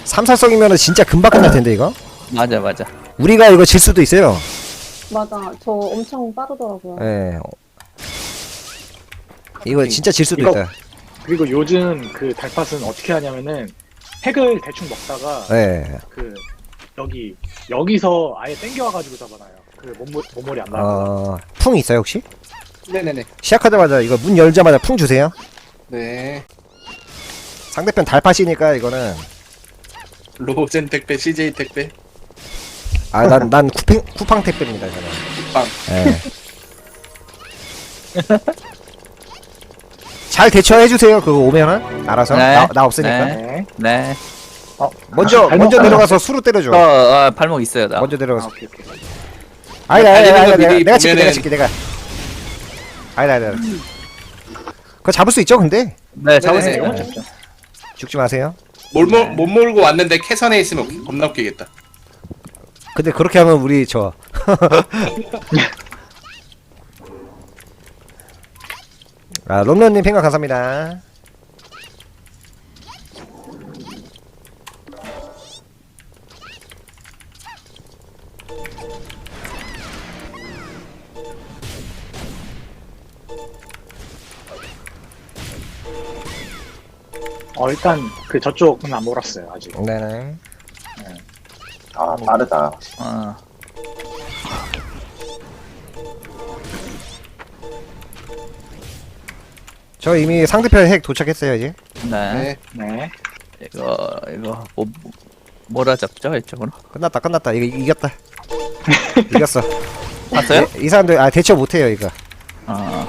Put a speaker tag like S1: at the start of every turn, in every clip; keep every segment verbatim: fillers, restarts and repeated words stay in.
S1: 삼살성이면은 진짜 금방 끝날 텐데 이거.
S2: 맞아 맞아.
S1: 우리가 이거 질 수도 있어요.
S3: 맞아. 저 엄청 빠르더라고요.
S1: 예. 이거 진짜 질 수도
S4: 이거-
S1: 있다.
S4: 그리고 요즘 그 달팟은 어떻게 하냐면은 핵을 대충 먹다가
S1: 예.
S4: 그 여기 여기서 아예 땡겨와가지고 잡아놔요. 그 몸, 몸머리 안 나고.
S1: 어, 풍 있어요 혹시?
S5: 네네네.
S1: 시작하자마자 이거 문 열자마자 풍 주세요.
S5: 네.
S1: 상대편 달팟이니까 이거는
S5: 로젠 택배, 씨제이 택배.
S1: 아 난 난 쿠팡 쿠팡 택배입니다 저는.
S5: 빵.
S1: 예. 잘 대처해 주세요. 그거 오면은 알아서
S2: 네.
S1: 나, 나 없으니까.
S2: 네.
S4: 네.
S2: 네.
S4: 어,
S1: 먼저
S4: 발목-
S1: 먼저 내려가서 수로 때려줘.
S2: 어, 어 발목 있어요 나.
S1: 먼저
S4: 아,
S1: 내려가서.
S4: 오케이 오케이.
S1: 아니다 아니다
S5: 달리는
S1: 아니다
S5: 거
S1: 내가
S5: 미리
S1: 내가 칠게 내가
S5: 보면은-
S1: 칠게 내가. 아니다 아니다. 그거 잡을 수 있죠 근데
S2: 네
S5: 네네.
S2: 잡으세요.
S4: 이건
S2: 네.
S4: 진짜.
S1: 죽지 마세요.
S5: 못, 몰, 못 몰고 왔는데 캐선에 있으면 겁나 웃기겠다.
S1: 근데 그렇게 하면 우리 저 아, 롬런님 팽가 감사합니다.
S4: 어 일단 그 저쪽은 안 몰았어요 아직.
S1: 네네.
S6: 아 빠르다.
S2: 어.
S1: 저 이미 상대편 핵 도착했어요 이제.
S2: 네.
S5: 네.
S4: 네.
S2: 이거 이거 뭐 뭐라 잡죠 이쪽으로?
S1: 끝났다 끝났다 이거 이- 이겼다. 이겼어.
S2: 봤어요?
S1: 이, 이 사람들 아 대처 못해요 이거.
S2: 어.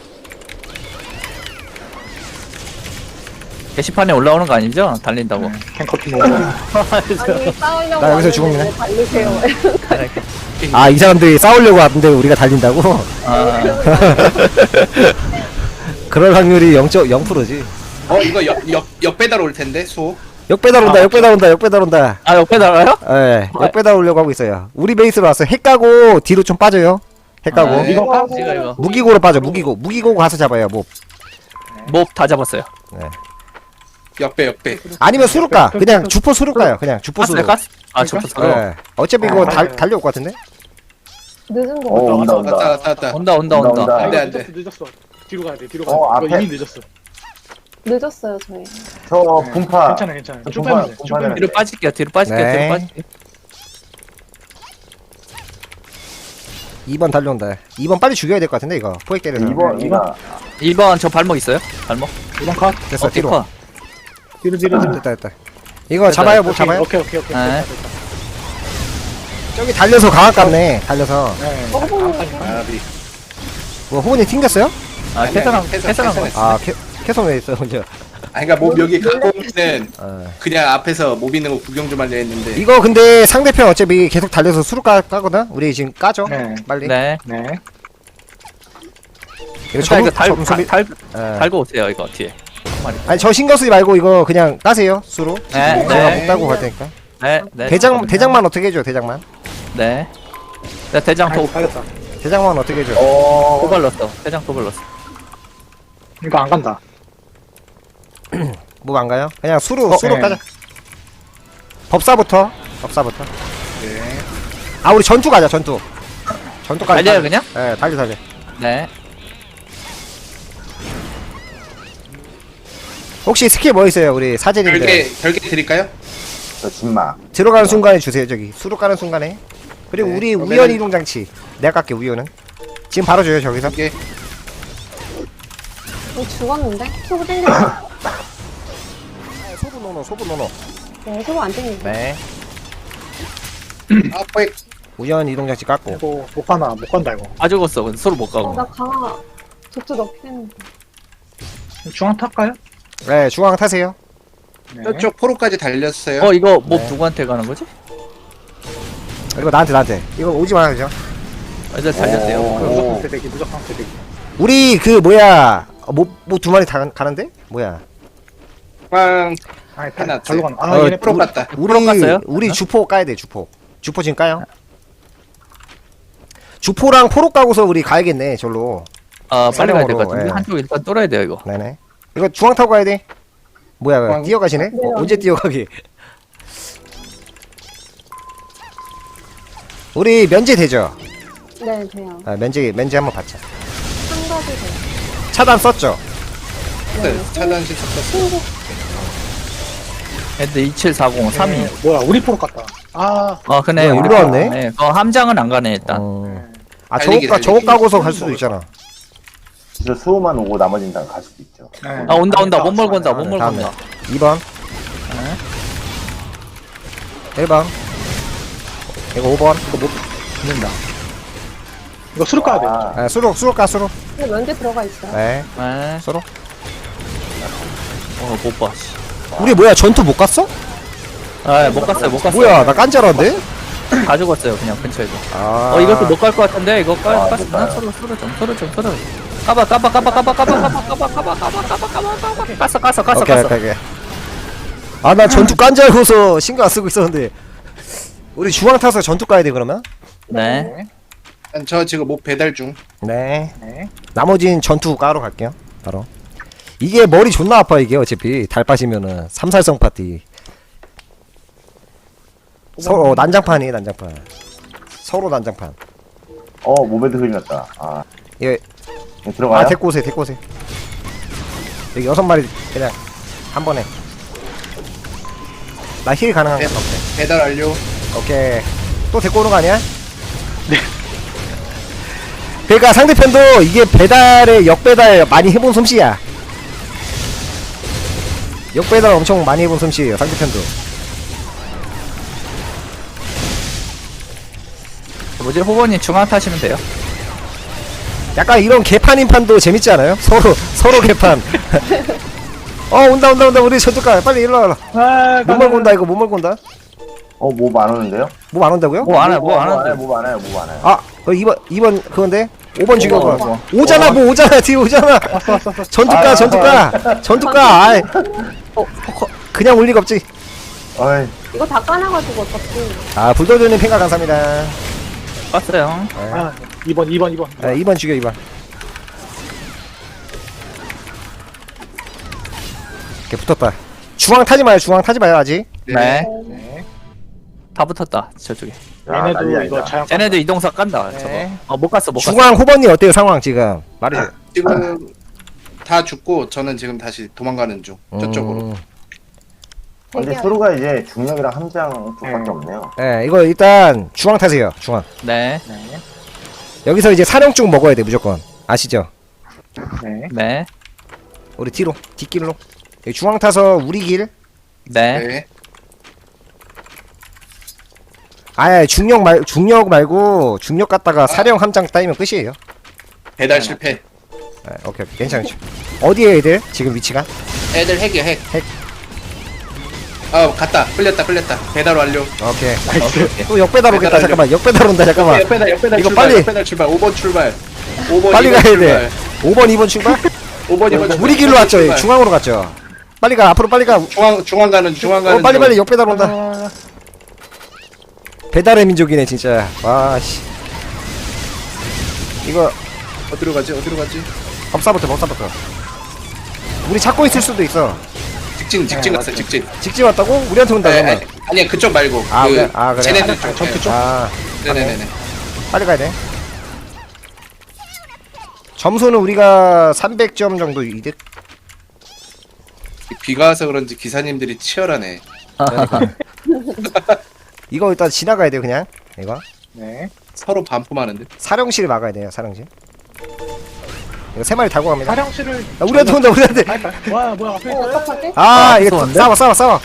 S2: 게시판에 올라오는 거 아니죠? 달린다고.
S4: 캔커피 먹어.
S3: 아니 싸우려고
S1: 나 여기서
S3: 하는데
S1: 죽었네.
S3: 왜 달리세요.
S1: 아 이 사람들이 싸우려고 하는데 우리가 달린다고?
S2: 아,
S1: 그럴 확률이 영 퍼센트지.
S5: 어, 이거 역, 역, 역배달 올 텐데, 소.
S1: 역배달 온다 역배달 온다 역배달 온다.
S2: 아 옆에 달아요?
S1: 예, 역배달 오려고 하고 있어요. 우리 베이스로 왔어요. 핵 까고 뒤로 좀 빠져요. 핵 까고
S2: 아, 네.
S4: 이거 파?
S2: 이거 이거
S1: 무기고로 빠져. 무기고 무기고 가서 잡아요. 뭐
S2: 몹 다 잡았어요.
S5: 역배, 역배.
S1: 아니면 수루 까. 그냥 주포 수루 까요. 그냥 주포 수루.
S2: 가스 가스. 아 저거 저거.
S1: 예. 어차피 이거
S4: 아,
S1: 달
S4: 맞아요.
S1: 달려올 것 같은데.
S3: 늦은 거
S6: 오
S3: 같아.
S6: 온다
S5: 왔다,
S6: 온다.
S5: 왔다, 왔다.
S2: 온다 온다
S6: 온다,
S2: 온다.
S6: 온다.
S5: 안 돼,
S4: 아,
S5: 안 돼.
S4: 늦었어 늦었어. 뒤로 가야 돼 뒤로
S6: 어,
S4: 가야 돼. 이거
S6: 앞에.
S4: 이미 늦었어.
S3: 늦었어요 저희.
S6: 저
S4: 네.
S6: 분파.
S4: 괜찮아 괜찮아. 쭉
S6: 분파,
S4: 빼면 돼. 쭉
S6: 분파는
S4: 빼면 돼.
S2: 뒤로 빠질게요. 뒤로 빠질게요.
S1: 네.
S2: 뒤로 빠질게요.
S1: 이 번 달려온다. 이 번 빨리 죽여야 될 것 같은데 이거. 포획 때려서.
S6: 이번
S4: 네,
S6: 이가
S2: 일 번 저 발목 있어요? 발목?
S4: 이번 컷.
S1: 됐어.
S2: 어깨
S1: 뒤로.
S2: 커.
S4: 뒤로 뒤로 뒤로.
S1: 됐다 됐다. 이거 잡아요. 뭐 잡아요?
S4: 오케이 오케이 오케이.
S2: 네.
S4: 됐다, 됐다.
S1: 저기 달려서 강압 갔네. 달려서.
S4: 네.
S3: 어, 보고
S5: 아, 미.
S1: 뭐 호분이 튕겼어요?
S2: 아
S5: 아니,
S2: 캐선한
S5: 아니, 캐선,
S2: 캐선한 거.
S5: 캐선했어.
S1: 아 캐, 캐선 왜 있어요 먼저.
S5: 아, 그니까 몹 여기 갖고 오면은
S1: 어.
S5: 그냥 앞에서 몹 있는 거 구경 좀 하려 했는데.
S1: 이거 근데 상대편 어차피 계속 달려서 수루 까, 까거든? 우리 지금 까죠?
S4: 네.
S1: 빨리.
S2: 네.
S4: 네.
S1: 이거
S2: 자 이거 달,
S1: 점수비-
S2: 달,
S1: 예.
S2: 달고 오세요 이거 뒤에.
S1: 아니 저 신경 쓰지 말고 이거 그냥 까세요 수로.
S2: 네,
S1: 제가
S2: 네.
S1: 못 따고 갈 테니까.
S2: 네. 네.
S1: 대장
S2: 잠깐만요.
S1: 대장만 어떻게 해줘 대장만.
S2: 네. 자 대장
S4: 아이고
S2: 도
S4: 살렸다.
S1: 대장만 어떻게 해줘.
S6: 어
S2: 도발렀어. 대장 도발렀어.
S4: 이거 안 간다.
S1: 뭐 안 가요? 그냥 수로
S2: 어,
S1: 수로
S4: 네.
S1: 까자. 법사부터 법사부터.
S5: 네.
S1: 아 우리 전투 가자 전투. 전투까지.
S2: 달려요 그냥?
S1: 예 달려 달려.
S2: 네.
S1: 혹시 스킬 뭐 있어요 우리 사제님들?
S5: 별개, 별개 드릴까요?
S6: 저 진마.
S1: 들어가는 순간에 주세요 저기 수로 까는 순간에. 그리고
S5: 네,
S1: 우리
S5: 그러면은-
S1: 우연 이동 장치. 내가 깎게 우연은. 지금 바로 줘요 저기서.
S5: 이게
S3: 어, 죽었는데? 소부 땡겼어.
S1: 소부 노노 소부 노노.
S3: 네, 소부 안 땡겼어.
S1: 네.
S5: 아, 포획.
S1: 우연 이동 장치 깎고.
S4: 이거 못 가나 못 간다 이거.
S2: 아 죽었어. 근데 서로 못
S3: 어,
S2: 가고.
S3: 나 강화 독주 넣긴 했는데.
S4: 중앙 탈까요?
S1: 네 중앙 타세요.
S4: 네.
S5: 저쪽 포로까지 달렸어요.
S2: 어 이거 몹
S1: 네.
S2: 누구한테 가는 거지?
S1: 이거 나한테 나한테. 이거 오지 말아요.
S2: 아, 이제 달렸대요.
S6: 오.
S4: 그 무조건 대대기 무조건 대대기.
S1: 우리 그 뭐야 뭐뭐 두 마리 다 가는데? 뭐야?
S5: 빵.
S4: 아니
S5: 하나,
S4: 다 절로 가나. 아
S1: 어,
S4: 얘네
S5: 프로
S4: 프로.
S5: 갔다.
S1: 우리
S2: 프로 갔어요?
S1: 우리 주포 까야 돼 주포. 주포 지금 까요? 주포랑 포로 까고서 우리 가야겠네 절로.
S2: 아 빨리 가야 될 것
S1: 사령으로,
S2: 같은데
S1: 예.
S2: 한쪽 일단 뚫어야 돼요 이거.
S1: 네네. 이거 중앙 타고 가야 돼. 뭐야
S5: 중앙.
S1: 뛰어가시네?
S3: 네,
S1: 어, 언제 뛰어가기? 우리 면제 되죠?
S3: 네, 돼요.
S1: 아, 면제 면제 한번 받자.
S3: 한 가지 돼요.
S1: 차단 썼죠?
S5: 네, 차단식 섞었어.
S3: 친구.
S2: 애들 이칠사공 삼이.
S4: 네, 뭐야 우리 포로 갔다. 아
S2: 어, 그네.
S1: 뭐야,
S2: 우리
S1: 일로 왔네?
S2: 네. 어, 함장은 안 가네, 일단.
S1: 어. 아
S5: 달리기,
S1: 저거 까 저거
S5: 달리기.
S1: 까고서 갈 수도 있잖아.
S6: 진짜 수호만 오고 나머지는 다 갈 수도 있죠.
S2: 아, 온다, 온다. 못 몰고 온다, 못 몰고
S1: 다음에
S2: 온다.
S1: 이 번 일 번 이거 오 번
S4: 이거 못 붙는다. 이거 수로 까야 돼.
S6: 아,
S1: 아, 수록 수록 가 수록.
S3: 근데 면제 들어가 있어요.
S1: 네
S2: 네.
S1: 수록.
S2: 어, 못 봐, 씨.
S1: 우리 뭐야 전투 못 갔어?
S2: 아, 못 갔어요, 못 갔어요.
S1: 뭐야 나 깐자라인데?
S2: 다 죽었어요, 그냥 근처에도.
S1: 아
S2: 어, 이것도 못 갈 것 같은데? 이거 깔,
S6: 아,
S2: 깔,
S6: 못
S2: 나
S6: 가요.
S2: 서로, 서로 좀, 서로 좀, 서로. 까봐, 까봐, 까봐, 까봐, 까봐, 까봐, 까봐, 까봐, 까봐, 까봐, 까봐, 까봐, 까봐. 깠어, 깠어, 깠어,
S1: 오케이
S2: 깠어.
S1: 오케이 오케이. 아나 전투 깐 줄 알고서 신경 안 쓰고 있었는데 우리 중앙 타서 전투 가야 돼 그러면?
S2: 네.
S5: 저 지금 뭐 배달 중.
S1: 네
S4: 네.
S1: 나머진 전투 까러 갈게요 바로. 이게 머리 존나 아파 이게 어차피 달 빠지면은 삼살성 파티. 서로 어, 난장판이에요 난장판. 서로 난장판.
S6: 어 모베드 흐리 났다. 아,
S1: 예.
S6: 네, 들어가요?
S1: 아 데리고 오세요 데리고 오세요. 여기 여섯 마리 그냥 한 번에. 나 힐 가능한 거
S5: 배,
S1: 없대.
S5: 배달 완료.
S1: 오케이. 또 데리고 오는 거 아니야? 네. 그러니까 상대편도 이게 배달에 역배달 많이 해본 솜씨야. 역배달 엄청 많이 해본 솜씨예요 상대편도.
S2: 뭐지, 호번님 중앙 타시면 돼요.
S1: 약간 이런 개판인 판도 재밌지 않아요? 서로 서로 개판. 어 온다 온다 온다 우리 저쪽가 빨리 일로 와라.
S4: 아,
S1: 못 몰고 온다 이거 못 몰고 온다.
S6: 어, 뭐 안 오는데요?
S1: 뭐 안 온다고요?
S2: 뭐 안 해, 뭐 안
S6: 뭐
S2: 하는데.
S6: 뭐 안 해요, 뭐 안 해요.
S1: 아, 그 이 번 이 번 그건데 오 번 죽여봐.
S2: 오 번.
S1: 오잖아 뭐 오잖아 뒤에 오잖아.
S4: 왔어 왔어 왔어.
S1: 전투가
S6: 아,
S1: 전투가 전투가. 아이. 어, 포커. 그냥 올 리가 없지.
S6: 어이,
S3: 이거 다 까놔가지고 어차피.
S1: 아 불도저님 팽가 감사합니다.
S2: 봤어요.
S4: 아 이 번 이 번 이 번.
S1: 아, 이 번 죽여 이 번. 이렇게 붙었다. 중앙 타지 마요 중앙 타지 마요 아직.
S2: 네.
S4: 네.
S2: 다 붙었다, 저쪽에.
S6: 야,
S4: 얘네도
S6: 난리
S4: 이거
S6: 아니다.
S4: 자연.
S2: 쟤네도 이동사 깐다,
S1: 네.
S2: 저거. 어, 못 갔어, 못 갔어.
S1: 중앙 호번님 어때요 상황 지금? 말해줘.
S5: 지금 다 죽고 저는 지금 다시 도망가는 중. 저쪽으로.
S1: 음,
S6: 근데
S3: 대기하고.
S6: 서로가 이제 중력이랑 함장 쪽밖에
S4: 네.
S6: 없네요.
S1: 네 이거 일단 중앙 타세요 중앙.
S2: 네.
S4: 네.
S1: 여기서 이제 사령증 먹어야 돼 무조건. 아시죠?
S4: 네.
S2: 네.
S1: 우리 뒤로 뒷길로. 여기 중앙 타서 우리 길.
S2: 네.
S5: 네.
S1: 아예 중력 말 중력 말고 중력 갔다가 사령 함장 따이면 끝이에요.
S5: 배달 실패.
S1: 네, 오케이 오케이 괜찮죠. 어디에 애들 지금 위치가?
S5: 애들 핵이야 핵.
S1: 핵.
S5: 아 갔다. 끌렸다 끌렸다. 배달 완료.
S1: 오케이.
S4: 나이스.
S1: 또 역배달 오겠다.
S5: 배달
S1: 잠깐만 역배달 온다. 잠깐만.
S5: 옆배달 옆배달
S1: 이거
S5: 출발.
S1: 빨리.
S5: 옆배달 출발. 오 번 출발. 오 번
S1: 빨리
S5: 이 번
S1: 가야
S5: 출발.
S1: 돼. 오 번 이 번 출발?
S5: 오 번 이 번
S1: 우리 길로 왔죠. 예, 중앙으로 갔죠. 빨리 가. 앞으로 빨리 가. 어
S5: 중앙 중앙 가는 중앙 가는.
S1: 빨리
S5: 중.
S1: 빨리 역배달 온다.
S4: 아,
S1: 배달의 민족이네 진짜. 와 씨. 이거
S5: 어디로 가지 어디로 가지?
S1: 법사부터 법사부터. 우리 찾고 있을 수도 있어.
S5: 직진 직진
S4: 네,
S5: 갔어
S4: 맞죠.
S5: 직진.
S1: 직진 왔다고? 우리한테 온다
S5: 네,
S1: 그러면.
S5: 아니, 아니야 그쪽 말고.
S1: 아,
S5: 그
S1: 그래? 아, 그래?
S5: 쟤네들 쪽.
S4: 전투 쪽?
S1: 아
S5: 네네네네.
S1: 빨리 가야 돼. 점수는 우리가 삼백 점 정도 이득.
S5: 비가 와서 그런지 기사님들이 치열하네.
S1: 이거 일단 지나가야 돼요 그냥. 이거
S4: 네.
S5: 서로 반품하는데.
S1: 사령실 막아야 돼요 사령실. 이거 세 마리 달고 갑니다.
S4: 사령실을.
S1: 야, 우리한테 온다 우리한테.
S4: 아, 와 뭐야 앞에
S3: 어,
S4: 있어요?
S3: 어떡하지?
S1: 아,
S2: 아,
S1: 이거
S2: 무서운데?
S1: 싸워 싸워 싸워.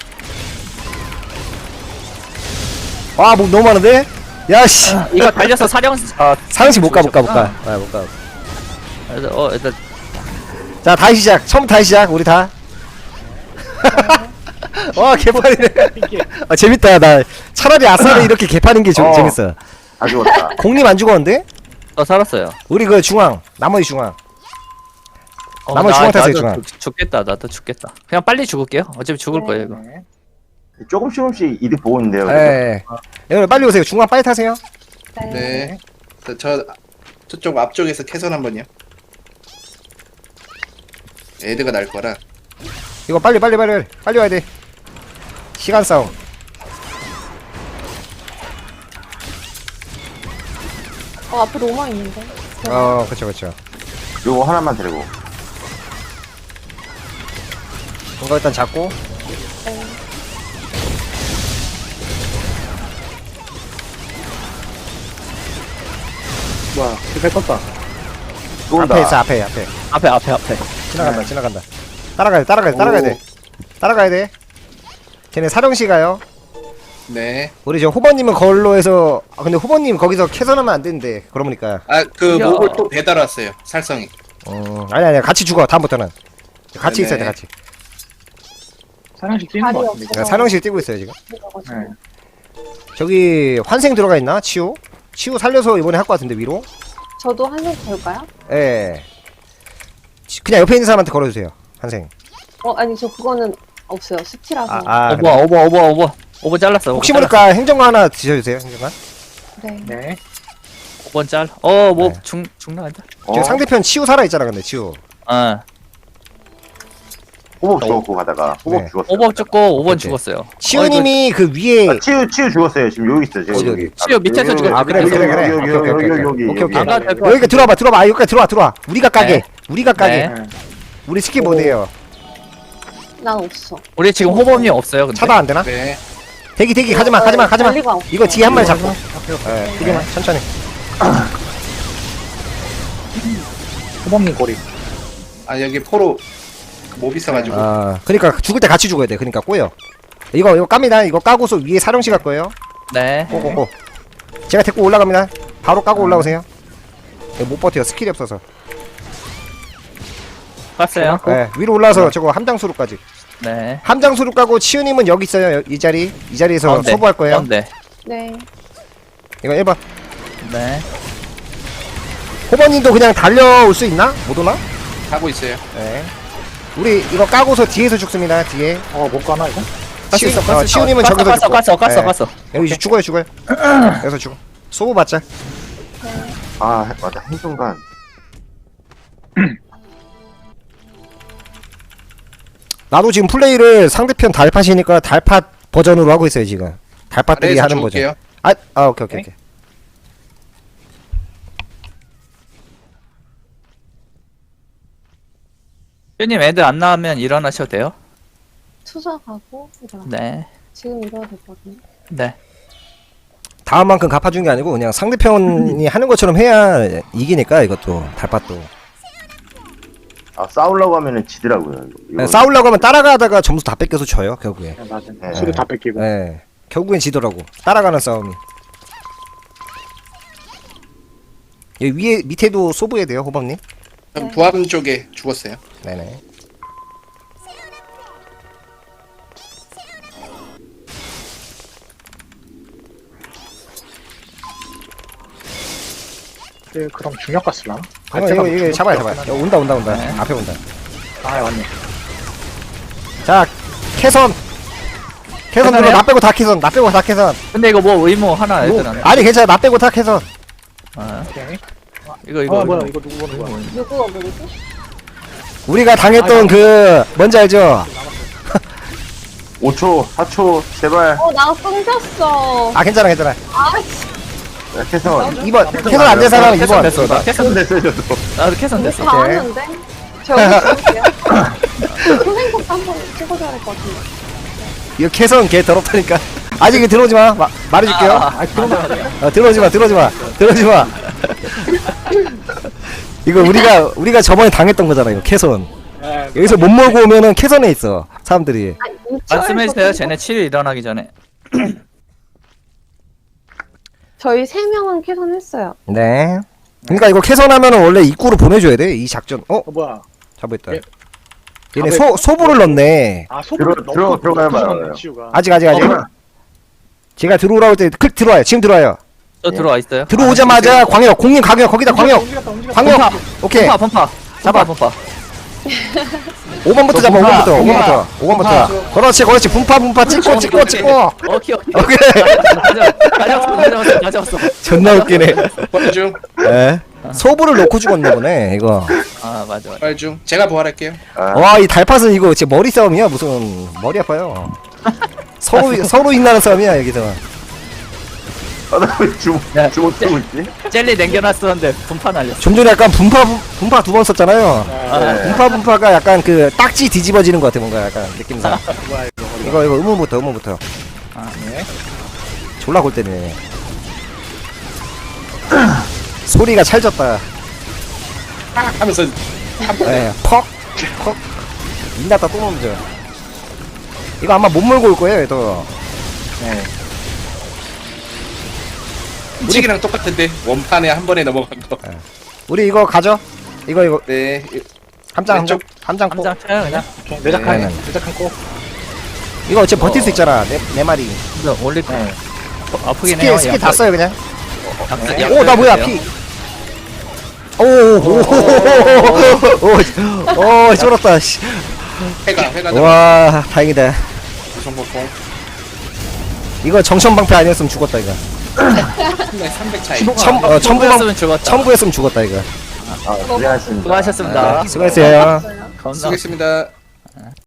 S1: 와, 뭐 너무 많은데? 야 씨.
S2: 이거 달려서 사령, 아,
S1: 사령실 못 가 못 가 못 가. 아, 못 가.
S2: 일단, 어, 일단,
S1: 자, 다시 시작. 처음 다시 시작. 우리 다. 와, 개판이네.
S4: 이게
S1: 아, 재밌다. 나 차라리 아싸를 이렇게 개판인 게 좀
S6: 어.
S1: 재밌어.
S6: 다 죽었다.
S1: 공님 안 죽었는데?
S2: 어, 살았어요.
S1: 우리 그 중앙, 나머지 중앙.
S2: 어,
S1: 나머지 중앙 타세요,
S2: 나도
S1: 중앙.
S2: 죽- 죽겠다, 나도 죽겠다. 그냥 빨리 죽을게요. 어차피 죽을
S3: 네.
S2: 거예요, 이거.
S4: 네.
S6: 조금씩 조금씩 이득 보고 있는데요. 그죠?
S1: 예. 여러분 빨리 오세요. 중앙 빨리 타세요.
S3: 네.
S5: 네. 저, 저 저쪽 앞쪽에서 캐선 한번요. 애드가 날 거라.
S1: 이거 빨리 빨리 빨리 빨리 빨리 와야 돼. 시간 싸움.
S3: 어, 앞에 로마 있는데.
S1: 어 그쵸 그쵸.
S6: 요거 하나만 데리고.
S1: 이거 일단 잡고.
S3: 네.
S4: 뭐야 배 떴다.
S6: 또 온다.
S1: 앞에 있어 앞에 앞에.
S2: 앞에 앞에 앞에.
S1: 지나간다 지나간다. 따라가야 돼 따라가야 돼 따라가야 돼. 따라가야 돼. 쟤네 사령시 가요.
S5: 네.
S1: 우리 저 후보님은 걸로 해서 아 근데 후보님 거기서 캐선하면 안 되는데 그러니까
S5: 아 그
S2: 야.
S5: 목을 또 배달 왔어요. 살성이.
S1: 어 아니 아니 같이 죽어 다음부터는 같이
S5: 네네.
S1: 있어야 돼 같이.
S4: 사냥식 뛰는 거
S3: 발이
S4: 같은데.
S3: 없어.
S1: 야, 사령실 뛰고 있어요 지금.
S3: 들어가지고.
S4: 네.
S1: 저기 환생 들어가 있나 치우? 치우 살려서 이번에 할 것 같은데 위로?
S3: 저도 한번 볼까요?
S1: 예. 치- 그냥 옆에 있는 사람한테 걸어주세요 환생.
S3: 어, 아니, 저 그거는 없어요. 수치라서.
S1: 아, 아
S2: 오버
S1: 그래.
S2: 오버 오버 오버 오버 잘랐어. 오버
S1: 혹시
S2: 잘랐어.
S1: 모르니까 행정관 하나 드셔주세요 행정관.
S3: 네.
S4: 네.
S2: 오 번 짤. 어뭐
S1: 네.
S2: 중 중나간다.
S6: 어,
S1: 지금 상대편 치우 살아 있잖아 근데 치우.
S2: 어.
S6: 호복 죽었고 가다가 호복
S1: 네.
S6: 죽었어요.
S2: 오버 죽고 오 번
S1: 오케이.
S2: 죽었어요.
S1: 치우님이 그 위에
S6: 아, 치유 치유 죽었어요. 지금 여기 있어요. 지금
S1: 어디,
S6: 여기.
S1: 어디?
S2: 치유 밑에서
S6: 여기,
S2: 죽었어.
S1: 아 그래
S6: 여기,
S1: 그래 그래.
S6: 여기,
S1: 오케이
S6: 여기,
S1: 오케이
S6: 여기,
S1: 오케이
S6: 여기,
S1: 오케이 오케이.
S2: 안 가도 될것
S1: 여기까지 들어와봐 들어와봐 아, 여기까지 들어와 들어와. 우리가 까게
S2: 네.
S1: 우리가 까게.
S2: 네.
S1: 우리 스킬 못해요.
S3: 난 없어.
S2: 우리 지금 호범이 없어요. 근데.
S1: 차단 안 되나?
S5: 네.
S1: 대기 대기 가지마 가지마 가지마.
S3: 관리가 없어.
S1: 이거 뒤에 한 마리 잡고. 예 뒤에만 천천히.
S4: 호범님 고리.
S5: 아 여기 포로 몹 있어가지고.
S1: 아 그러니까 죽을 때 같이 죽어야 돼. 그러니까 꼬여. 이거 이거 깝니다. 이거 까고서 위에 사령시 갈 거예요.
S2: 네.
S1: 꼬꼬꼬. 제가 데리고 올라갑니다. 바로 까고 올라오세요. 이거 못 버텨요. 스킬이 없어서.
S2: 갔어요.
S1: 네, 위로 올라와서 저거 함장수로까지.
S2: 네.
S1: 함장수로 까고 치우님은 여기 있어요. 여- 이 자리. 이 자리에서
S2: 가운데.
S1: 소부할 거예요.
S2: 가운데.
S3: 네.
S1: 이거 일 번.
S2: 네.
S1: 호버님도 그냥 달려올 수 있나? 못 오나?
S5: 하고 있어요.
S1: 네. 우리 이거 까고서 뒤에서 죽습니다. 뒤에.
S4: 어못 가나 이거?
S1: 치우,
S2: 갔어,
S1: 어,
S2: 갔어,
S1: 치우님은
S2: 갔어,
S1: 저기서
S2: 갔어,
S1: 죽고.
S2: 갔어, 갔어,
S1: 네.
S2: 갔어.
S1: 여기 이제 죽어요, 죽어요. 여기서 죽어. 소부 받자.
S6: 아 맞다 행동관.
S1: 나도 지금 플레이를 상대편 달팟이니까 달팟 버전으로 하고 있어요 지금. 달팟들이
S5: 아래에서
S1: 하는 버전.
S5: 죽을게요.
S1: 아, 아 오케이 오케이 오케이.
S2: 님 애들 안 나오면 일어나셔도 돼요.
S3: 투자가고, 일어나.
S2: 네.
S3: 지금 일어나 됐거든요.
S2: 네.
S1: 다음 만큼 갚아준 게 아니고 그냥 상대편이 하는 것처럼 해야 이기니까 이것도 달팟도.
S6: 아 싸우려고 하면은 지더라고요. 이거.
S1: 네, 싸우려고 하면 따라가다가 점수 다 뺏겨서 져요 결국에.
S4: 네, 맞아.
S6: 네.
S4: 수도 다 뺏기고.
S1: 네. 결국엔 지더라고. 따라가는 싸움이. 여기 위에 밑에도 소부해야 돼요 호범님.
S5: 그럼 부암 쪽에 죽었어요.
S1: 네네.
S4: 네, 그럼 중력 갔을라?
S1: 어, 이거 이거 잡아야 잡아야. 야, 온다 온다 온다.
S2: 네.
S1: 앞에 온다.
S4: 아 맞네.
S1: 자 캐선. 캐선 들어.
S2: 캐선해요?
S1: 나 빼고 다 캐선. 나 빼고 다 캐선.
S2: 근데 이거 뭐 의무 하나
S1: 뭐,
S2: 애들 안.
S1: 아니 괜찮아. 나 빼고 다 캐선.
S2: 아,
S4: 오케이.
S2: 이거 이거.
S4: 아 뭐야
S2: 의무.
S4: 이거 누구 보는 거야?
S3: 누구가 모르지?
S1: 우리가 당했던 그 뭔지 알죠?
S6: 오 초, 사 초 제발.
S3: 어, 나 끊겼어.
S6: 네.
S1: 아 괜찮아 괜찮아.
S3: 아, 씨.
S6: 야, 캐선.
S1: 이 번 캐선 안 된 사람은 이
S2: 캐선
S1: 번.
S2: 됐어. 나 캐선
S6: 캐선 됐어요 저도.
S2: 나도 캐선 됐어.
S3: 다 하는데? 저 여기 줄게요. 선생님부터 한번 찍어줘야 될 것 같은데.
S1: 이거 캐선 개 더럽다니까. 아직 이거 들어오지 마. 마 말해줄게요.
S2: 아, 그러면
S1: 어, 들어오지 마. 들어오지 마. 들어오지 마. 이거 우리가 우리가 저번에 당했던 거잖아. 이거 캐선.
S4: 네,
S1: 여기서 못 몰고 오면은 캐선에 있어 사람들이.
S3: 아니, 이철
S2: 말씀해주세요.
S3: 선생님.
S2: 쟤네 칠 일 일어나기 전에.
S3: 저희 세 명은 캐선했어요.
S1: 네. 그러니까 이거 캐선하면은 원래 입구로 보내줘야 돼. 이 작전. 어?
S4: 어 뭐야?
S1: 잡았다.
S4: 예.
S1: 얘네
S4: 아,
S1: 소 소보를 넣네.
S4: 아 소금
S6: 들어- 들어- 들어가야 봐요.
S4: 치우가.
S1: 아직 아직 아직. 제가 들어오라고 할 때 클 들어와요. 지금 들어와요.
S2: 저 들어와 있어요.
S1: 들어오자마자 광역 공님 광역 거기다 광역
S4: 움직였다, 움직였다.
S1: 광역. 오케이.
S2: 펌파 펌파.
S1: 잡아.
S2: 펌파.
S1: 오 번부터 잡아. 오
S2: 분파,
S1: 번부터. 오 번부터. 오 번부터.
S5: 분파.
S1: 그렇지 그렇지. 분파 분파 찍고 찍고 찍고.
S2: 오케이 오케이.
S1: 오케이.
S2: 가져왔어 가져왔어 가져왔어.
S1: 존나 웃기네.
S5: 부활중.
S1: 예. 소부를 놓고 죽었나 보네 이거.
S2: 아 맞아 맞아.
S5: 부활중. 제가 부활할게요.
S6: 아,
S1: 와 이 달팟은 이거 진짜 머리 싸움이야 무슨 머리 아파요. 서로 서로 인나는 싸움이야 여기서.
S6: 아나왜 주먹
S2: 야,
S6: 주먹 쓰고 있지?
S2: 젤리 남겨놨었는데 분파 날렸어.
S1: 좀 전에 약간 분파 분- 분파 두 번 썼잖아요.
S6: 네.
S1: 분파 분파가 약간 그 딱지 뒤집어지는 것 같아 뭔가 약간 느낌상.
S4: 뭐야 이거
S1: 이거 이거 의문부터 의문부터.
S2: 아, 네.
S1: 졸라 골 때리네. 소리가 찰졌다.
S5: 하면서
S1: 예, 퍽, 퍽. 민났다 또 넘죠. 이거 아마 못 몰고 올 거예요, 얘도.
S6: 네.
S5: 훔치기랑 똑같은데 원판에 한 번에 넘어간 거.
S1: 우리 이거 가죠? 이거 이거
S5: 네.
S1: 함장 함장
S5: 왼쪽.
S1: 함장 꼭.
S2: 함장 쳐요 그냥.
S4: 오케이, 내작한
S1: 네, 네.
S4: 내작한 거
S1: 이거 어차피 버틸 수 있잖아. 네, 네 마리.
S2: 근데 올릴 거.
S4: 네.
S2: 어, 아프긴 해요.
S1: 스킬 스킬 다 써요 그냥.
S2: 약-
S1: 오 나 뭐야 피. 오오오오 쫄았다. 씨.
S5: 회가 회가
S1: 와 다행이다.
S5: 정보통
S1: 이거 정션 방패 아니었으면 죽었다 이거.
S5: 삼백 차이.
S1: 천 어, 첨부 방
S2: 첨부였으면 죽었다.
S1: 첨부했으면 죽었다 이거.
S6: 아 고생하셨습니다.
S2: 수고하셨습니다.
S1: 수고했어요.
S2: 겁나
S5: 수고했습니다.